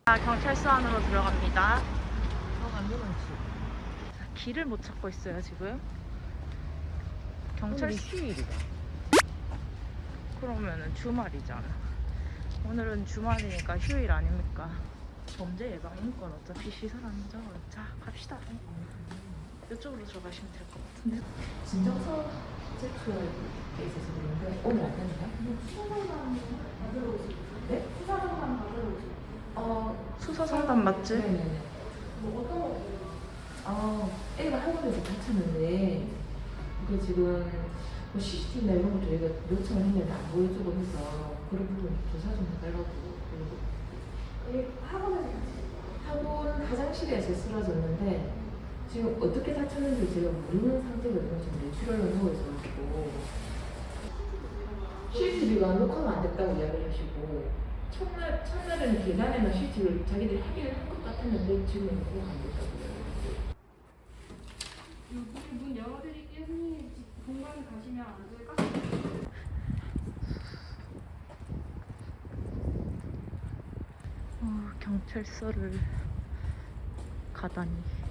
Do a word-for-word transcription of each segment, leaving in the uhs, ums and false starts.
아, 경찰서 안으로 들어갑니다. 안 들어갔지. 길을 못 찾고 있어요 지금. 경찰 휴일이다. 그러면은 주말이잖아. 오늘은 주말이니까 휴일 아닙니까? 범죄 예방인권 어차피 시설 안전. 자 갑시다. 이쪽으로 들어가시면 될 것 같은데. 진정서 제출에 있어서 그런데 오늘 안 된다? 수사상담 받으러 오시 네? 수사상담 받으러 오시 어, 수사 상담 맞지? 네네네. 뭐 어떤 거? 아, 애가 학원에서 다쳤는데 그 지금 뭐 씨씨티비나 이런 거 저희가 요청을 했는데 안 보여주고 해서 그런 부분 조사 좀 해달라고. 그리고 학원에서 학원 화장실에서 쓰러졌는데 지금 어떻게 다쳤는지 제가 모르는 상태거든요. 지금 뇌출혈로 누워 있어가지고 씨씨티비가 녹화가 안 됐다고 이야기를 하시고 첫날, 첫날에는 계단에는 씨씨티비를 자기들이 확인을 한 것 같았는데 지금은 녹화가 안 됐다고 이야기를 여기 문 열어드릴게요. 선생님 공간 가시면 안 될까? 어, 경찰서를 가다니.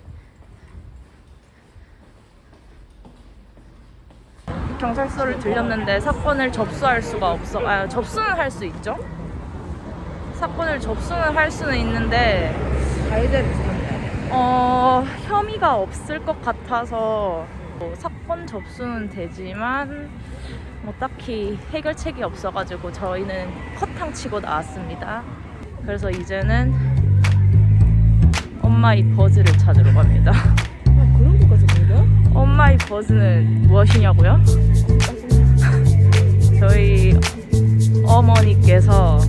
경찰서를 들렸는데 사건을 접수할 수가 없어. 아, 접수는 할 수 있죠? 사건을 접수는 할 수는 있는데 가해자를 찾아야 어, 혐의가 없을 것 같아서 뭐 사건 접수는 되지만 뭐 딱히 해결책이 없어가지고 저희는 컷탕 치고 나왔습니다. 그래서 이제는 엄마의 버즈를 찾으러 갑니다. 아, 그런 것까지 보여? 엄마의 버즈는 무엇이냐고요? 저희 어머니께서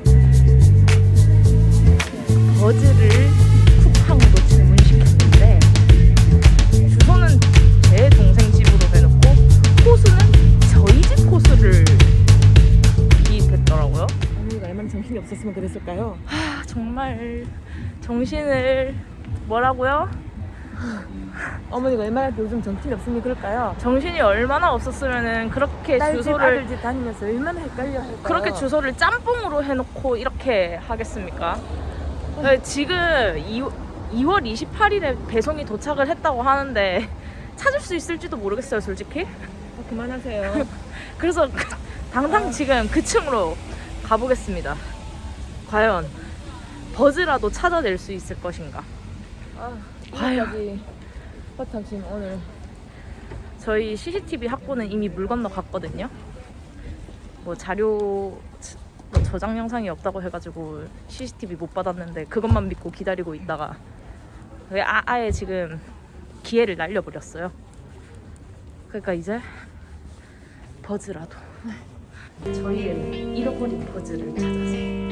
버즈를 쿠팡으로 주문시켰는데 주소는 제 동생 집으로 해놓고 코스는 저희 집 코스를 기입했더라고요. 어머니가 얼마나 정신이 없었으면 그랬을까요? 하, 정말 정신을 뭐라고요? 어머니가 얼마나 요즘 정신이 없으면 그럴까요? 정신이 얼마나 없었으면은 그렇게 딸집 주소를 아들집 다니면서 얼마나 헷갈렸을까요? 그렇게 주소를 짬뽕으로 해놓고 이렇게 하겠습니까? 네, 지금 이월 이십팔일에 배송이 도착을 했다고 하는데 찾을 수 있을지도 모르겠어요 솔직히. 어, 그만하세요. 그래서 당장 지금 그 층으로 가보겠습니다. 과연 버즈라도 찾아낼 수 있을 것인가. 아, 과연. 이거까지 허탕 지금 오늘 저희 씨씨티비 확보는 이미 물 건너 갔거든요. 뭐 자료 뭐 저장 영상이 없다고 해가지고 씨씨티비 못 받았는데 그것만 믿고 기다리고 있다가 아, 아예 지금 기회를 날려버렸어요. 그러니까 이제 버즈라도 저희의 잃어버린 버즈를 찾아서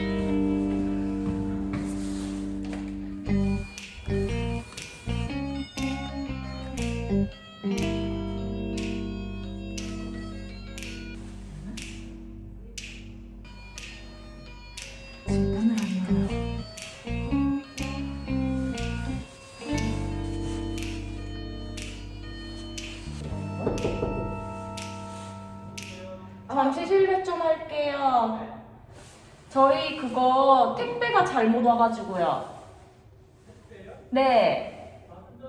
지금 문을 안 열어요. 잠시 실례 좀 할게요. 저희 그거 택배가 잘못 와가지고요. 네.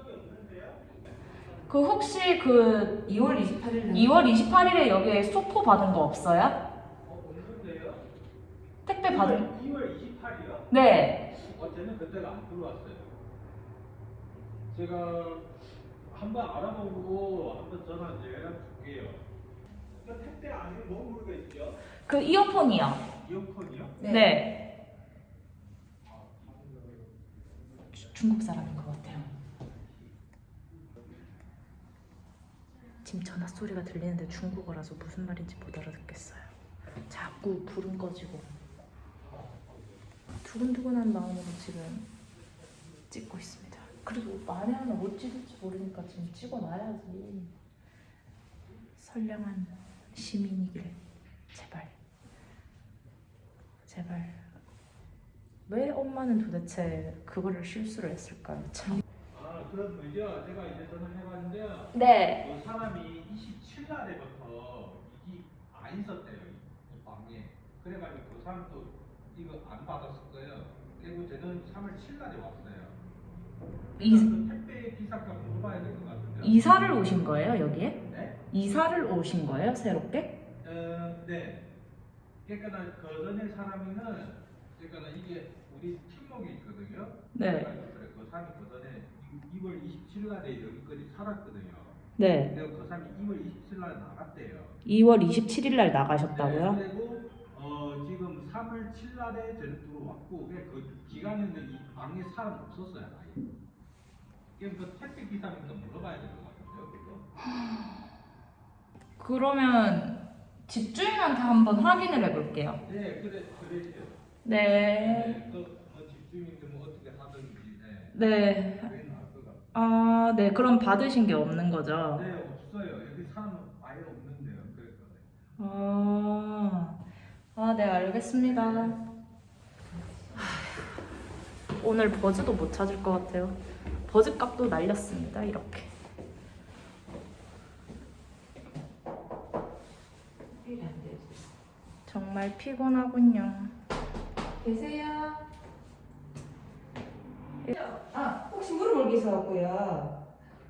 그 혹시 그 이월 이십팔일 이월 이십팔일에 여기에 소포 받은 거 없어요? 어, 없는데요? 택배 받은? 이월 이십팔이요? 네. 어제는 그때가 안 들어왔어요. 제가 한번 알아보고 한번 전화 연락 줄게요. 그 택배 안에 뭐 물가 있죠? 그 이어폰이요. 이어폰이요? 네. 네. 주- 중국 사람인 것 같아요. 지금 전화 소리가 들리는데 중국어라서 무슨 말인지 못 알아듣겠어요. 자꾸 불은 꺼지고 두근두근한 마음으로 지금 찍고 있습니다. 그리고 만에 하나 못 찍을지 모르니까 지금 찍어놔야지. 선량한 시민이길 제발 제발. 왜 엄마는 도대체 그거를 실수를 했을까요? 참. 아, 그럼 그죠? 제가 이제 전화를 해봤는데요. 네. 그 사람이 이십칠 날에부터 이게 안 있었대요, 이 방에. 그래가지고 그 사람도 이거 안 받았을 거예요. 그리고 저는 삼월 칠일날에 왔어요. 이, 그 택배 기사값 물어봐야 될 것 같은데. 이사를 오신 거예요 여기에? 네? 이사를 오신 거예요 새롭게? 어, 네. 그러니까 그 전에 사람이는 그러니까 이게 우리 팀목이 있거든요. 네. 그래, 그 사람이 그 전에 이월 이십칠일날에 여기까지 살았거든요. 네. 그리고 그 사람이 이월 이십칠일날 나갔대요. 이월 이십칠일 날 나가셨다고요? 네, 그리고 어, 지금 삼월 칠일날에 저는 들어왔고 그 기간에는 이 방에 사람 없었어요. 아예. 그럼 그 택배 기사니까 물어봐야 될 것 같은데요. 그거? 그러면 집주인한테 한번 확인을 해볼게요. 네, 그래, 그래요. 네. 네, 그 어, 집주인들 뭐 어떻게 하든지. 네. 네. 그게 나을 것 같아요. 아, 네. 그럼 받으신 게 없는 거죠? 네, 없어요. 여기 사람은 아예 없는데요. 그러니까. 아, 아, 네, 알겠습니다. 하, 오늘 버즈도 못 찾을 것 같아요. 버즈 값도 날렸습니다. 이렇게. 일이 안 되지. 정말 피곤하군요. 계세요? 아, 혹시 물어볼 게 있어갖고요.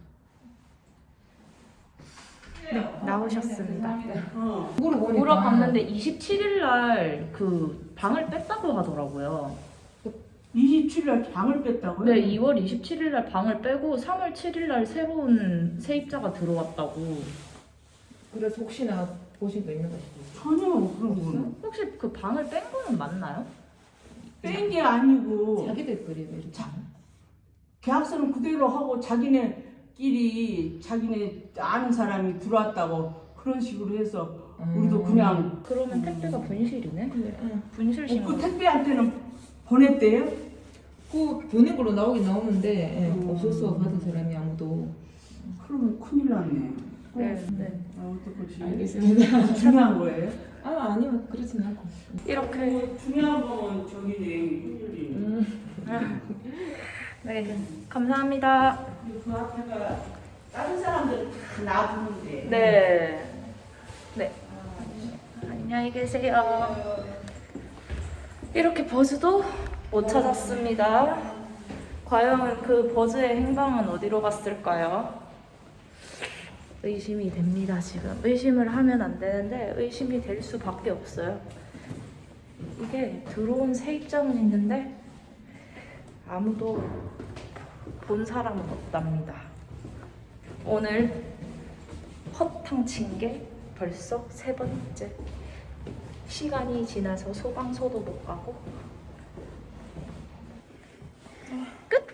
네, 나오셨습니다. 어. 물어보니까 물어봤는데 이십칠일 날 그 방을 뺐다고 하더라고요. 이십칠 일 방을 뺐다고요? 네, 이월 이십칠일 날 방을 빼고 삼월 칠일 날 새로운 세입자가 들어왔다고. 그래서 혹시나 보신 거 있는 거 싶어요. 전혀 그런 거는 혹시 그 방을 뺀 거는 맞나요? 뺀 게 아니고 자기들 거리 왜 이렇게? 계약서는 그대로 하고 자기네끼리 자기네 아는 사람이 들어왔다고 그런 식으로 해서 우리도 그냥 그러면 택배가 분실이네? 분실 어, 신고. 그 택배한테는 보냈대요? 그 보낸 걸로 나오긴 나오는데 예, 음. 없었어 받은 사람이 아무도. 그러면 큰일 났네. 네, 네. 아, 어떡하지? 알겠습니다. 중요한 거예요? 아 아니요 그렇진 않고. 이렇게. 중요한 건 저기네 힘들이. 음. 네, 감사합니다. 그 앞에가 다른 사람들 다 놔두는데. 네. 네. 안녕히 계세요. 이렇게 버즈도 못 찾았습니다. 과연 그 버즈의 행방은 어디로 갔을까요? 의심이 됩니다, 지금. 의심을 하면 안 되는데 의심이 될 수밖에 없어요. 이게 들어온 세입자는 있는데 아무도 본 사람은 없답니다. 오늘 허탕 친 게 벌써 세 번째. 시간이 지나서 소방서도 못 가고. 끝!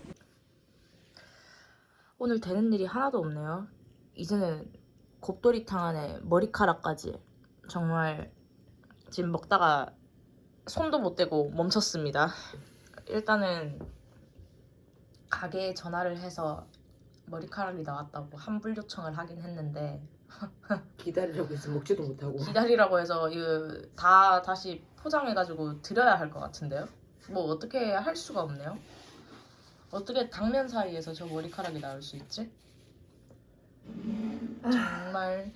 오늘 되는 일이 하나도 없네요. 이제는 곱돌이탕 안에 머리카락까지 정말 지금 먹다가 손도 못 대고 멈췄습니다. 일단은 가게에 전화를 해서 머리카락이 나왔다고 환불 요청을 하긴 했는데 기다리라고 해서 먹지도 못하고. 기다리라고 해서 이거 다 다시 포장해가지고 드려야 할 것 같은데요? 뭐 어떻게 할 수가 없네요. 어떻게 당면 사이에서 저 머리카락이 나올 수 있지? 정말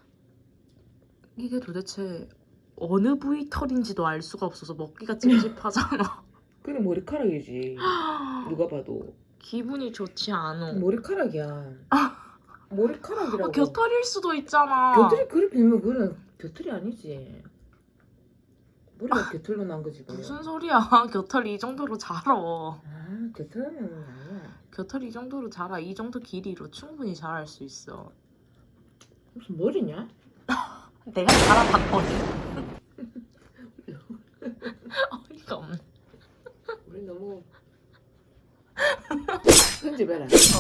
이게 도대체 어느 부위 털인지도 알 수가 없어서 먹기가 찝찝하잖아. 그게 머리카락이지. 누가 봐도 기분이 좋지 않아. 머리카락이야. 머리카락이라고. 어, 겨털일 수도 있잖아. 겨털이 그리 빌면 그거는 겨털이 아니지. 머리가 겨털로 난 거지. 그냥. 무슨 소리야. 겨털이 이 정도로 자라. 아 겨털은 아니야. 겨털이 이 정도로 자라. 이 정도 길이로 충분히 자랄 수 있어. 무슨 머리냐? 내가 자라봤거든. 어이가 없네. 우리 너무 편집해라.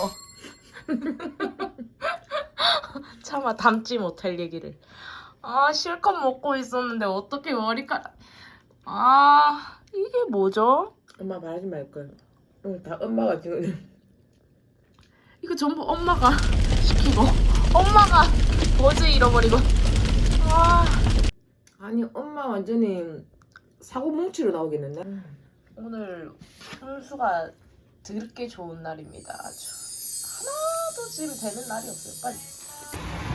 어. 차마 담지 못할 얘기를. 아 실컷 먹고 있었는데 어떻게 머리카락. 아 이게 뭐죠? 엄마 말하지 말걸. 오늘 다 엄마가 지금. 이거 전부 엄마가 시키고 엄마가 버즈 잃어버리고. 아 아니 엄마 완전히 사고 뭉치로 나오겠는데. 오늘 훈수가 드럽게 좋은 날입니다. 아주 하나도 지금 되는 날이 없어요. 빨리.